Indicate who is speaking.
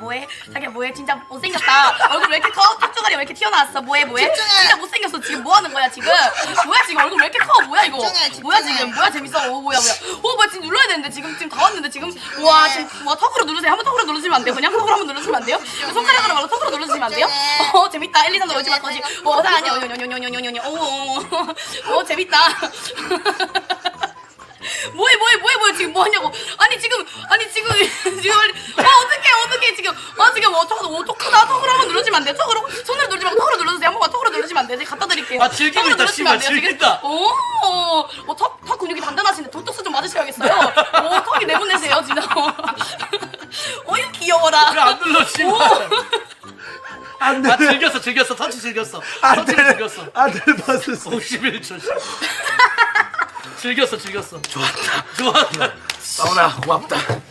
Speaker 1: 뭐해? 자기야 뭐해? 진짜 못생겼다. 얼굴 왜 이렇게 커? 턱주가리 왜 이렇게 튀어나왔어? 뭐해?
Speaker 2: 집중해.
Speaker 1: 진짜 못생겼어. 지금 뭐 하는 거야 지금? 뭐야 지금 얼굴 왜 이렇게 커? 뭐야 이거?
Speaker 2: 집중해.
Speaker 1: 뭐야 지금? 뭐야 재밌어? 뭐야? 뭐야 지금 눌러야 되는데 지금 다 왔는데 지금 와 지금 와 턱으로 누르세요. 한번 턱으로 누르시면 안 돼요? 그냥 턱으로 한번 누르시면 안 돼요? 손가락으로 말고 턱으로 누르시면 안 돼요? 재밌다. 1, 2, 3, 4, 5, 6, 7, 8, 9, 10. 아니야. 오 재밌다. 뭐해 지금 뭐 하냐고. 아니 지금 어떡해 지금 턱으로 턱으로 한번 누르시면 안 돼요? 턱으로 손으로 누르지 말고 턱으로 눌러주세요. 한 번만 턱으로 누르시면 안 돼요? 제가 갖다 드릴게요.
Speaker 3: 아, 즐기고
Speaker 1: 턱으로
Speaker 3: 있다,
Speaker 1: 누르시면 안
Speaker 3: 씨발,
Speaker 1: 돼요, 지금?
Speaker 3: 즐긴다.
Speaker 1: 턱 근육이 단단하신데 도톡스 좀 맞으셔야겠어요. 턱이 내보내세요 진짜. 어유 귀여워라.
Speaker 3: 왜 안 눌러 씨발.
Speaker 4: 안
Speaker 3: 아
Speaker 4: 돼.
Speaker 3: 즐겼어 터치 즐겼어.
Speaker 4: 안
Speaker 3: 터치를
Speaker 4: 돼.
Speaker 3: 즐겼어.
Speaker 4: 안 돼. 봤었어.
Speaker 3: 51초 즐겼어.
Speaker 4: 좋았다.
Speaker 3: 좋았다.
Speaker 4: 사우나 고맙다.